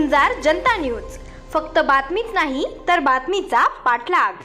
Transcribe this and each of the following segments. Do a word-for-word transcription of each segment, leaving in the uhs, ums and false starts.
झुंजार जनता news, फक्त बातमीच नाही तर बातमीचा पाठलाग।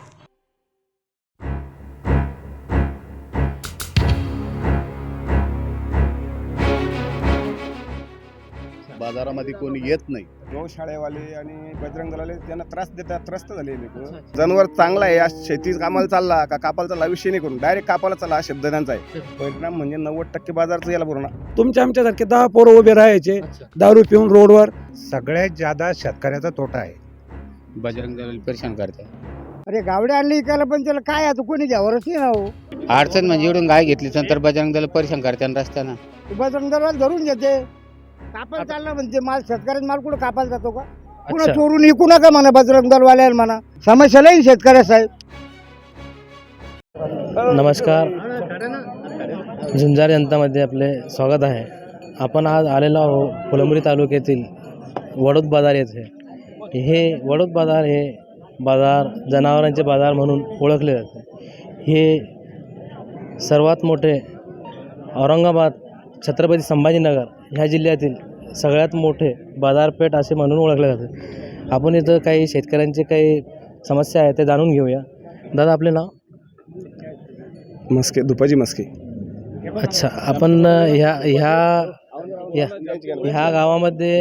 बाजारामध्ये कोणी येत नाही। गौशाळेवाले आणि बजरंग दलाले त्यांना त्रास देतात, त्रस्त झाले लोक। जनावर चांगला आहे, शेती कामाला चालला का कापाला चालला विषय नाही करून डायरेक्ट कापाला चालला हा शब्द त्यांचा आहे। परिणाम म्हणजे नव्वद टक्के बाजारचं याला पूर्ण। तुमच्या आमच्यासारखे दहा पोरं उभे राहायचे दारू पिऊन रोडवर। सगळ्यात ज्यादा शेतकऱ्याचा तोटा आहे। बजरंग दल परेशान करते। अरे गावड्या आणली इकायला पण त्याला काय आता कोणी घ्यावरच नाही ना हो। अडचण म्हणजे इकडून गाय घेतली तर बजरंग दल परेशान करते रस्त्यानं। बजरंग दलाल धरून घेते, कापायला चालला म्हणजे माल शेतकऱ्याचा माल कुठं कापायला जातो का? पुन्हा चोरून विकू नका म्हणा बजरंग दलवाल्याला म्हणा, समस्या नाही शेतकऱ्या साहेब। नमस्कार, झुंजार जनतामध्ये आपले स्वागत आहे। आपण आज आलेलो आहोत फुलंब्री तालुक्यातील वडोद बाजार येथे। हे वडोद बाजार हे बाजार जनावरांचे बाजार म्हणून ओळखले जाते। हे सर्वात मोठे औरंगाबाद छत्रपती संभाजीनगर ह्या जिल्ह्यातील सगळ्यात मोठे बाजारपेठ असे म्हणून ओळखले जाते। आपण इथं काही शेतकऱ्यांचे काही समस्या आहेत ते जाणून घेऊया। दादा, आपले नाव? मस्के, दुपाजी मस्के। अच्छा, आपण ह्या ह्या या ह्या गावामध्ये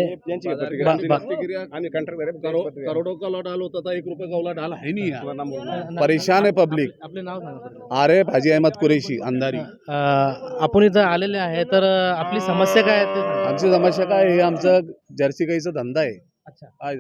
करोडों का लॉट आलो होता, एक रुपये का लॉट आला है नहीं। परेशान है पब्लिक। आपले नाव सांगा। अरे भाजी अहमद कुरेशी अंधारी। आपण इथं आलेले आहे, तर आपली समस्या काय आहे ते सांगा। आमची समस्या काय आहे, आमचं जर्सी गाईचा धंदा आहे। अच्छा, काय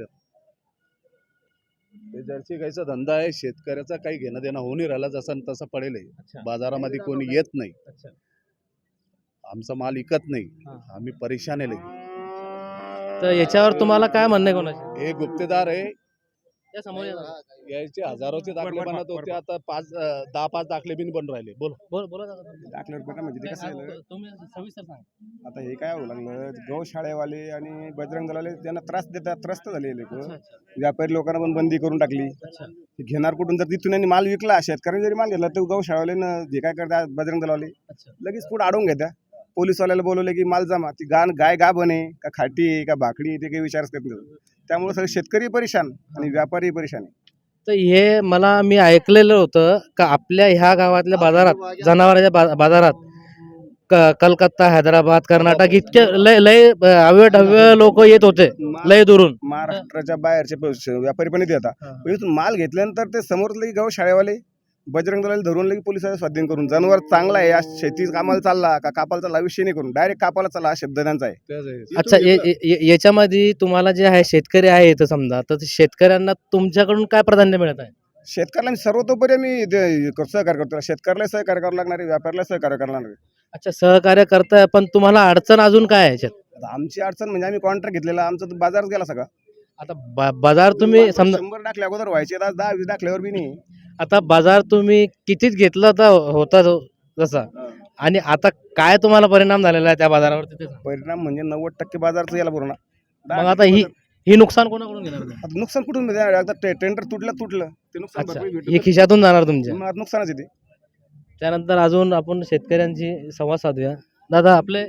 ते जर्सी गाईचा धंदा आहे, शेतकऱ्याचा काही घेणं देणं होऊन नाही राहिला, जसं तसं पडेल आहे। बाजारामध्ये कोणी येत नाही, आमचा माल विकत नाही, आम्ही परेशान आहे लई। तर याच्यावर तुम्हाला काय म्हणणं आहे कोणाचे? हे गुप्तेदार आहे, या समोर या। याचे हजारोचे दाखले बनत होते, आता पाच दहा पाच दाखले बिन बन राहिले। बोल बोल बोला दादा। दाखल्यावर पण म्हणजे ते कसं झालं, तुम्ही सविस्तर सांगा। आता हे काय होऊ लागलं, गौशाळेवाले आणि बजरंग दलाले त्यांना त्रास देतात, त्रस्त झाले लोक। व्यापारी लोकांना पण बंदी करून टाकली। घेणार कुठून, जर तिथून यांनी माल विकला, शेतकऱ्यांनी जरी माल घेतला तर गौशाळेवाले जे काय करतात बजरंग दलाले लगेच पुढे अडवून घेत्या। पोलीसवाल्याला बोलवले की माल जमा, ती गाण गाय गा बने का खाटी आहे का भाकडी, ते काही विचारच करत नाही। त्यामुळे सगळे शेतकरी परेशान आणि व्यापारी परेशान आहे। तर हे मला मी ऐकलेलं होतं का आपल्या ह्या गावातल्या बाजारात, जनावरांच्या बा बाजारात क कलकत्ता, हैदराबाद, कर्नाटक इतके लय लय हवे ढव्य लोक येत होते लय दुरून। महाराष्ट्राच्या बाहेरचे व्यापारी पण येते। आता इथून माल घेतल्यानंतर ते समोर लगे गौशाळेवाले बजरंग दलाल धरून लगे पोलिसांना स्वाधीन करून, जनावर चांगला आहे, शेती कामाला चालला का कापाला चालला विषय नाही करून डायरेक्ट कापाला चालला हा शब्द त्यांचा आहे। अच्छा, याच्यामध्ये तुम्हाला जे आहे शेतकरी आहे इथं समजा, तर शेतकऱ्यांना तुमच्याकडून काय प्राधान्य मिळत आहे? शेतकऱ्याला सर्वतोपरी मी सहकार्य करतो, शेतकऱ्याला सहकार्य करावं लागणार आहे, व्यापाऱ्याला सहकार्य करणार आहे। अच्छा, सहकार्य करताय, पण तुम्हाला अडचण अजून काय आहे? आमची अडचण म्हणजे आम्ही कॉन्ट्रॅक्ट घेतलेला, आमचा तो बाजारच गेला सगळा। आता बाजार तुम्ही समजा शंभर टाकल्या अगोदर व्हायचे, आज दहा वीस टाकल्यावर बी नाही। आता बाजार तुम्ही कितीच घेतला तर होता जसा, आणि आता काय तुम्हाला परिणाम झालेला आहे त्या बाजारावर? परिणाम म्हणजे नव्वद टक्के बाजारचं याला पूर्ण। मग आता ही ही नुकसान कोणाकडून घेणार? आता नुकसान कुठून टेंडर तुटलं तुटलं ते नुकसान भरपाई भेटू हे खिशातून जाणार तुमच्या? मग नुकसानच येते। त्यानंतर अजून आपण शेतकऱ्यांची संवाद साधूया। दादा, आपले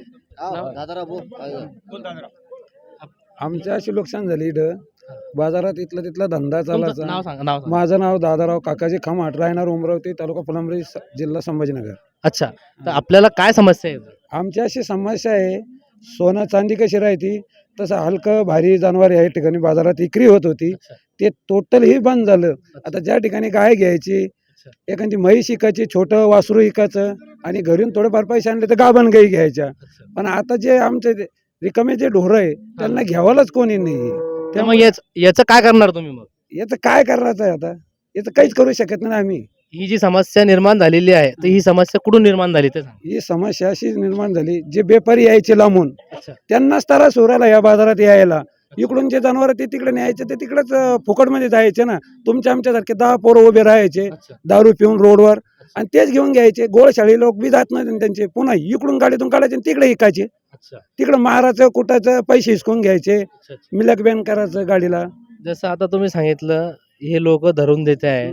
आमच्या अशी नुकसान झाली इथं बाजारात, इथला तिथला धंदा चालायचा। नाव सांगा। नाव सांगा। माझं नाव दादाराव काकाजी खमाट, राहणार उमरावती, तालुका फुलंब्री, जिल्हा संभाजीनगर। अच्छा, तर आपल्याला काय समस्या आहे? आमची अशी समस्या आहे, सोनं चांदी कशी राहती तसं हलकं भारी जनावर या ठिकाणी बाजारात विक्री होत होती, ते टोटल ही बंद झालं। आता ज्या ठिकाणी गाय घ्यायची, एखादी म्हैस विकायची, छोटं वासरू विकायचं, आणि घरून थोडेफार पैसे आणले तर गाभण गाई घ्यायच्या। पण आता जे आमचे रिकामे जे ढोरं आहे त्यांना घ्यावालाच कोणी नाही। त्यामुळे याचं काय करणार तुम्ही? मग याचं काय करायचं आहे? आता याचं काहीच करू शकत नाही आम्ही। ही जी समस्या निर्माण झालेली आहे, तर ही समस्या कुठून निर्माण झाली ते सांगा। ही समस्या अशी निर्माण झाली, जे बेपारी यायचे लांबून त्यांनाच त्रास होऊ राहिला या बाजारात यायला। इकडून जे जनावर ते तिकडे न्यायचे ते तिकडेच फुकटमध्ये जायचे ना। तुमच्या आमच्यासारखे दहा पोरं उभे राहायचे दारू पिऊन रोडवर, आणि तेच घेऊन घ्यायचे। गोळशाळी लोक बी जात नाही त्यांचे, पुन्हा इकडून गाडीतून काढायचे तिकडे विकायचे, तिकडे मारायचं कुटायचं, पैसे हिसकून घ्यायचे, मिलक बॅन करायचं गाडीला। जसं आता तुम्ही सांगितलं हे लोक धरून देते आहे,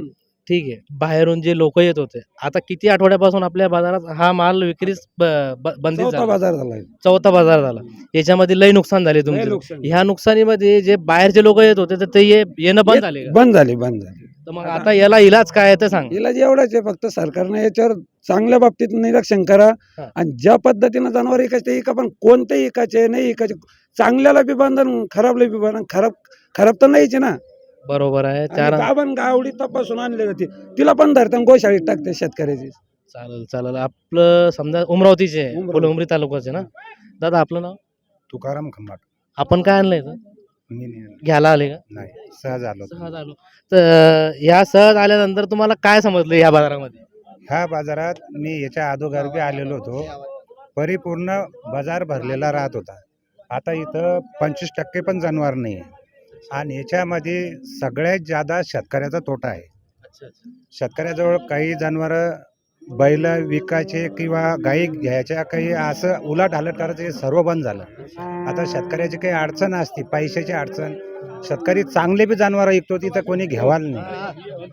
ठीक आहे, बाहेरून जे लोक येत होते, आता किती आठवड्यापासून आपल्या बाजारात हा माल विक्रीस ब- ब- बंदित चौथा झाला, बाजार झालाय. चौथा बाजार झाला. याच्यामध्ये लय नुकसान झाले लय तुमचे. नुकसान. ह्या नुकसानीमध्ये जे बाहेरचे लोक येत होते तर ते ये- येणं बंद झाले का? बंद झाली बंद झाली. तर मग आता याला इलाज काय आहे ते सांग. इलाज एवढाच आहे, फक्त सरकारने याच्यावर चांगल्या बाबतीत निरीक्षण करा हा. आणि ज्या पद्धतीनं जनावर इकायचे इका, पण कोणते इकायचे नाही इकायचे, चांगल्याला बी बंधन खराबला बी बंधन. खराब खराब तर नाहीच आहे ना. बरोबर आहे. चार गावन गावडी तपासून आणले जाते, तिला पण धरतात गोशाळीत टाकते शेतकऱ्याची. चालेल चालेल. आपलं समजा उमरावतीचे आहे, उमरावती. फुलंब्री तालुक्याचे ना दादा, आपलं नाव? तुकाराम खंबाट. आपण काय आणलंय इथं? मी नाही आणलं. घ्यायला आले का? नाही, सहज आलो. सहज आलो. तर ह्या सहज आल्यानंतर तुम्हाला काय समजलं या बाजारामध्ये? ह्या बाजारात मी याच्या अगोदर बी आलेलो होतो. परिपूर्ण बाजार भरलेला राहत होता. आता इथं पंचवीस टक्के पण जनावर नाही आहे आणि याच्यामध्ये सगळ्यात जादा शेतकऱ्याचा तोटा आहे. शेतकऱ्याजवळ काही जनावरं बैल विकायचे किंवा गाई घ्यायच्या, काही असं उलाट हालट करायचं, हे सर्व बंद झालं. आता शेतकऱ्याची काही अडचण असते, पैशाची अडचण. शेतकरी चांगले बी जनावर विकतो, तिथं कोणी घ्यावाल नाही.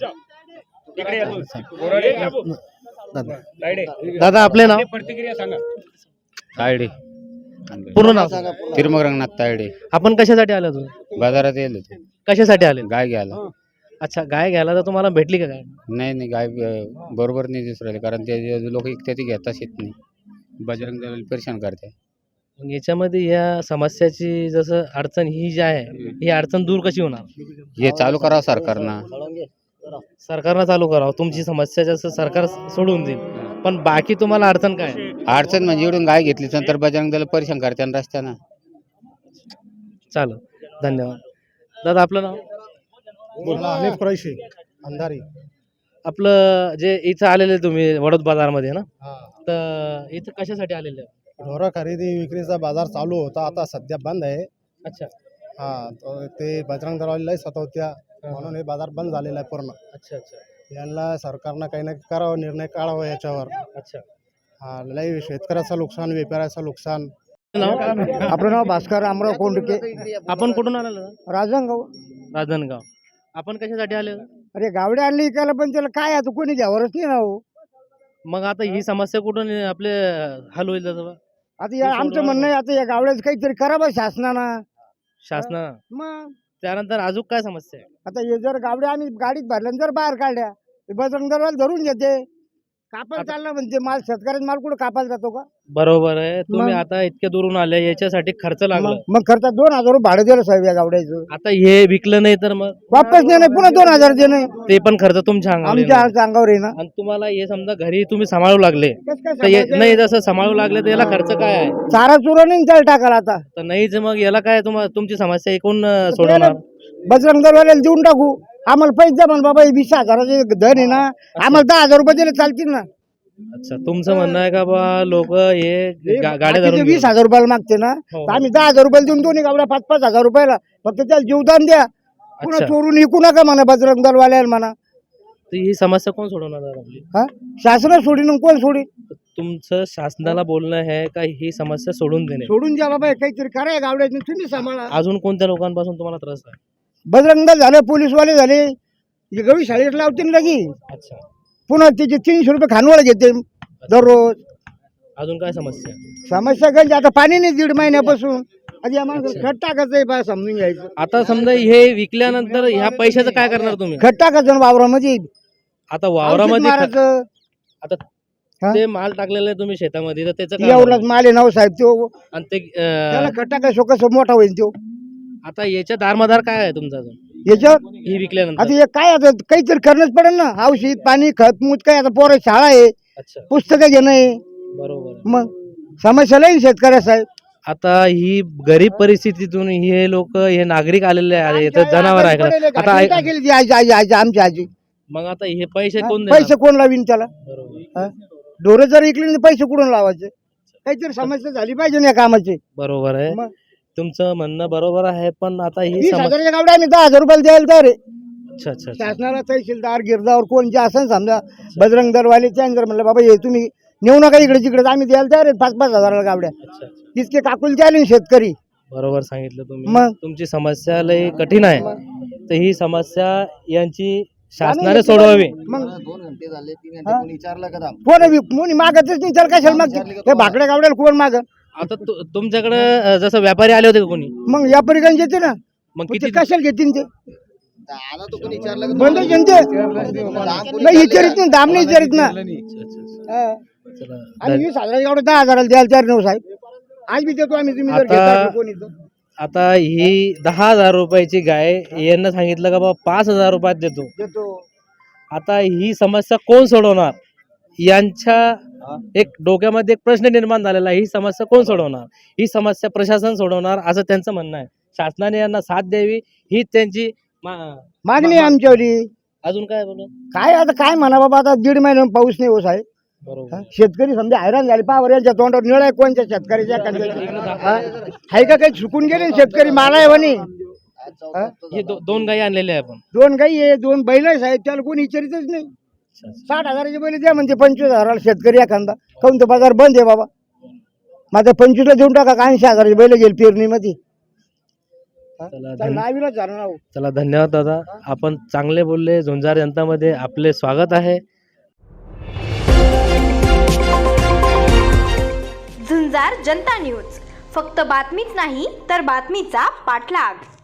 दादा, आपले नाव? तायडे, पूर्ण नाव? तिरमग रंगनाथ तायडे. आपण कशासाठी आले तुम्ही? बाजारात येईल होते कशासाठी आले? गाय घ्यायला. अच्छा, गाय घ्यायला तर तुम्हाला भेटली का गाय? नाही नाही, गाय अं, बरोबर नाही दिसू राहिले, कारण ते लोक इकते ती घेताच येत नाही. बजरंग दल परेशान करते. मग याच्यामध्ये या समस्याची जसं अडचण ही जी आहे, ही अडचण दूर कशी होणार? हे चालू करावं सरकारनं. सरकारनं चालू करावं. तुमची समस्या जसं सरकार सोडून देईल, पण बाकी तुम्हाला अडचण काय आहे? अडचण म्हणजे इकडून गाय घेतली नंतर बजरंग दल परेशान करते आणि रस्त्यानं. चालेल, धन्यवाद. दादा, आपलं नाव? अंधारी. आपलं जे इथं आलेले तुम्ही वडोद बाजारमध्ये ना, तर इथं कशासाठी आलेले? ढोरं खरेदी विक्रीचा बाजार चालू होता, आता सध्या बंद आहे. अच्छा हा, तो ते बजरंग दलवाले लय सतवत्या, म्हणून हे बाजार बंद झालेला आहे पूर्ण. अच्छा अच्छा यांना सरकारनं काही ना करावं, निर्णय काढावा याच्यावर. अच्छा. हा, लय शेतकऱ्याचं नुकसान, व्यापाऱ्याचं नुकसान. नाव? आपलं नाव भास्कर अमराव कोंडके, आपण कुठून आलेलो? राजनगाव. राजनगाव. आपण कशासाठी आले? अरे गावडे आणली इकायला, पण त्याला काय आता कोणी घ्यावरच नाही ना हो. मग आता ही समस्या कुठून आपले हल होईल त्याचं? आता या आमचं म्हणणं आहे, आता या गावड्याचं काहीतरी करावं शासनानं. शासनानं. मग त्यानंतर अजून काय समस्या आहे? आता हे जर गावड्या आम्ही गाडीत भरल्या जर बाहेर काढल्या, ते बजरंग दलवाले धरून घेते. कापायला चालला म्हणजे माल, शेतकऱ्याचा माल कुठं कापायला जातो का? बरोबर आहे. तुम्ही मग? आता इतक्या दुरून आले, याच्यासाठी खर्च लागला. मग मग खर्च दोन हजार रुपये भाडं दिलं साहेब या गावड्याचं. आता हे विकलं नाही तर मग वापस नाही नाही, पुन्हा दोन हजार देणं ते पण खर्च तुमच्या अंगावर आमच्या येणार. अंगावर आहे ना. आणि तुम्हाला हे समजा घरी तुम्ही सांभाळू लागले, कसं काय तर हे- सांभाळायचं? नाही जसं सांभाळू लागले तर याला खर्च काय आहे? चारा चुरा नाही त्याला टाकायला आता. तर नाहीच मग याला काय तुम्हाला तुमची समस्या एकूण अं, सोडवणार? बजरंग दलवाल्याला देऊन टाकू, आम्हाला पैसे द्या म्हण बाबा, हे वीस हजाराचे धन आहे ना, आम्हाला दहा हजार रुपये दिले चालतील ना. अच्छा, तुमचं म्हणणं आहे का बा लोक हे गा- गाड्या बाकीचे धरून वीस घेऊन- हजार रुपयाला मागते ना, हो, तर आम्ही दहा हजार रुपयाला देऊन दोन्ही गावड्या पाच पाच हजार रुपयाला, फक्त त्याला जीवदान द्या. पुन्हा अच्छा. चोरून विकू नका म्हणा बजरंग दलवाल्याला म्हणा. तर ही समस्या कोण सोडवणार आहे आपली? हा, शासन सोडीन कोण सोडीन? तुमचं शासनाला बोलणं आहे का ही समस्या सोडून देणे? सोडून द्या बाबा, काहीतरी करा या गावड्याने, तुम्ही सांभाळा. अजून कोणत्या लोकांपासून तुम्हाला त्रास आहे? बजरंग दल झालं, पोलीसवाले झाले, हे गवी शाळेत लावतील लगी. अच्छा, पुन्हा त्याचे तीनशे रुपये खानवळ घेते दररोज. अजून काय समस्या? समस्या गंज, आता पाणी नाही दीड महिन्यापासून. आधी या माणसाला खत टाकायचं आहे बा, समजून घ्यायचं. आता समजा हे विकल्यानंतर ह्या पैशाचं काय करणार तुम्ही? खत टाकायचं ना वावरामध्ये, आता औषध वावरामध्ये खत- मारायचं. आता हा? ते माल टाकलेलं आहे तुम्ही शेतामध्ये, तर त्याचं काय एवढाच होणार? माल आहे नाव साहेब तो. आणि ते त्याला अं, खत टाकायचं कसं मोठा होईल तो. आता याच्या दारमदार काय आहे तुमचा अजून याच्यावर ही विकल्यानंतर? आता हे काय, आता काहीतरी करणंच पडेल ना. औषध पाणी खत मूत काय, आता पोरं शाळा आहे, अच्छा, पुस्तकं घेणं आहे. बरोबर आहे. मग समस्या लई शेतकऱ्या साहेब. आता ही गरीब परिस्थितीतून हे लोक हे नागरिक आलेले आहेत, तर जनावर आहे का? आता आता ऐक- केली ती आजी आजी आजी आमची आजी. मग आता हे पैसे कोण देणार? पैसे कोण लावीन त्याला? बरोबर. ढोरं जर इकली तर पैसे कुठून लावायचे? काहीतरी समस्या झाली पाहिजे ना या कामाची. बरोबर आहे. मग? तुमचं म्हणणं बरोबर आहे, पण आता ही वीस समस्या. हजाराच्या गावड्या आम्ही दहा हजार रुपयाला द्यायला तयार आहे. अच्छा अच्छा अच्छा. शासनाला तहसीलदार गिरदावर कोण जे असं समजा बजरंग दलवाले त्यांनी जर म्हणलं बाबा हे तुम्ही नेऊ नका इकडे तिकडे, आम्ही द्यायला तयार आहे पाच पाच हजाराला गावड्या. अच्छा, अच्छा. तितके काकुलचे आले ना शेतकरी. बरोबर सांगितलं तुम्ही. मग? तुमची समस्या लई कठीण आहे, तर ही समस्या यांची शासनाने सोडवावे. मग दोन घंटे झाले तीन हा? घंटे कोणी विचारलं का दाम? कोण बी- कोणी मागतच नाही तर कशाला मागते हे भाकड्या गावड्याला कोण माग आता तु- तुमच्याकडे अ, जसं व्यापारी आले होते का कोणी, मग व्यापारी गंज येते ना मग पण ते किती कशाला घेतील ते आला तो कोणी विचारलं का बंद तुम्हाला? जनते दाम कोणी नाही विचारलं विचारित नाही दाम नाही विचारित ना अच्छा, अच्छा. हा. चला, आणि वीस हजार एवढं दहा हजाराला द्यायला तयार नऊ साहेब आज बी देतो आम्ही तुम्ही जर आता- घेता का कोणी तर. आता ही दहा हजार रुपयाची गाय यांना सांगितलं का बाबा पाच हजार रुपयात देतो. देतो आता ही समस्या कोण सोडवणार, यांच्या एक डोक्यामध्ये एक प्रश्न निर्माण झालेला आहे. ही समस्या कोण सोडवणार, ही समस्या प्रशासन सोडवणार असं त्यांचं म्हणणं आहे. शासनाने यांना साथ द्यावी ही त्यांची मा- मागणी आहे आमच्यावरी अजून काय बोलू. काय आता काय म्हणा बाबा आता दीड महिन्यानं पाऊस नाही हो साहेब बरोबर. हा? शेतकरी समजा हैराण झाले पावर यांच्या तोंडावर निळ आहे कोणत्या शेतकऱ्याच्या एखाद्याच्या? हा? आहे का काही चुकून गेले ना शेतकरी माला आहे म्हणे आज चौथा हप्ता हे दो- दोन गायी आणलेल्या आहे आपण. दोन गाई आहे दोन बैल आहे साहेब त्याला कोणी विचारितच नाही साठ हजाराचे बैल द्या म्हणते पंचवीस हजाराला शेतकरी एखादा काऊन तो बाजार बंद आहे बाबा माझा पंचवीसला देऊन टाका का ऐंशी हजाराचे बैल गेल पेरणीमध्ये चला धन्य- नावीलाच झालं ना हो. चला धन्यवाद दादा, आपण चांगले बोलले. झुंजार जनतामध्ये आपले स्वागत आहे. झुंजार जनता न्यूज, फक्त बातमीच नाही तर बातमीचा पाठलाग.